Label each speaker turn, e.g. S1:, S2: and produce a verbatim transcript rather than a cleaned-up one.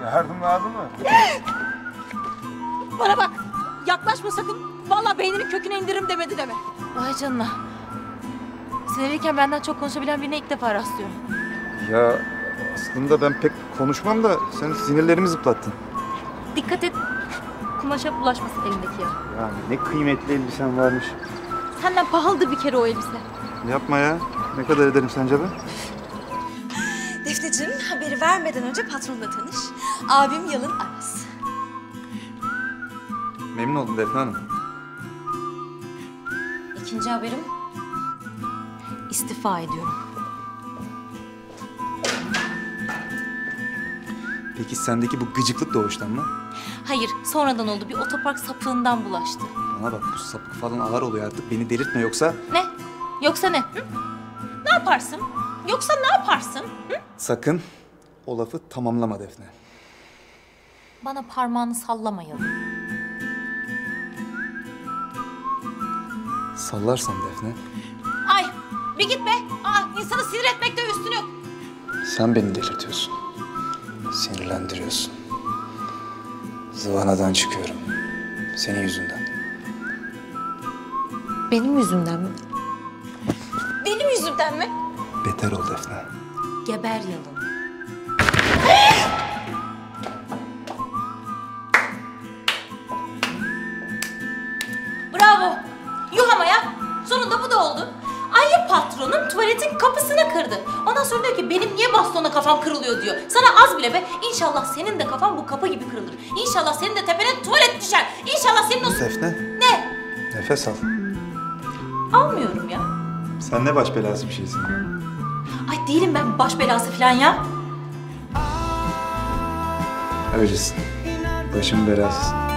S1: Yardım lazım mı?
S2: Bana bak. Yaklaşma sakın. Vallahi beyninin köküne indiririm demedi deme. Vay canına. Sinirliyken benden çok konuşabilen birine ilk defa rastlıyorum.
S1: Ya aslında ben pek konuşmam da sen sinirlerimi zıplattın.
S2: Dikkat et. Kumaşa bulaşmasın elindeki ya.
S1: Yani ne kıymetli elbisen varmış.
S2: Senden pahalıdır bir kere o elbise.
S1: Yapma ya. Ne kadar ederim sence be?
S3: Defneciğim, haberi vermeden önce patronla tanış. Abim Yalın Aras.
S1: Memnun oldum Defne Hanım.
S2: İkinci haberim, istifa ediyorum.
S1: Peki sendeki bu gıcıklık doğuştan mı?
S2: Hayır, sonradan oldu. Bir otopark sapığından bulaştı.
S1: Bana bak, bu sapık falan ağır oluyor artık. Beni delirtme yoksa...
S2: Ne? Yoksa ne? Hı? Ne yaparsın? Yoksa ne yaparsın? Hı?
S1: Sakın o lafı tamamlama Defne.
S2: Bana parmağını sallamayalım.
S1: Sallarsam Defne...
S2: Ay, bir git be. Aa, insanı sinir etmekte üstün yok.
S1: Sen beni delirtiyorsun. Sinirlendiriyorsun. Zıvanadan çıkıyorum. Senin yüzünden.
S2: Benim yüzümden mi? Benim yüzümden mi?
S1: Beter ol Defne.
S2: Geber Yalın. Bravo. Yuh ama ya. Sonunda bu da oldu. Ayı patronun tuvaletin kapısını kırdı. Ondan sonra diyor ki benim niye bastona kafam kırılıyor diyor. Sana az bile be. İnşallah senin de kafan bu kapı gibi kırılır. İnşallah senin de tepene tuvalet düşer. İnşallah senin o...
S1: Defne.
S2: Ne?
S1: Nefes al.
S2: Almıyorum ya.
S1: Sen ne baş belası bir şeysin.
S2: Ay değilim ben baş belası falan ya.
S1: Öylesin. Başım belasısın.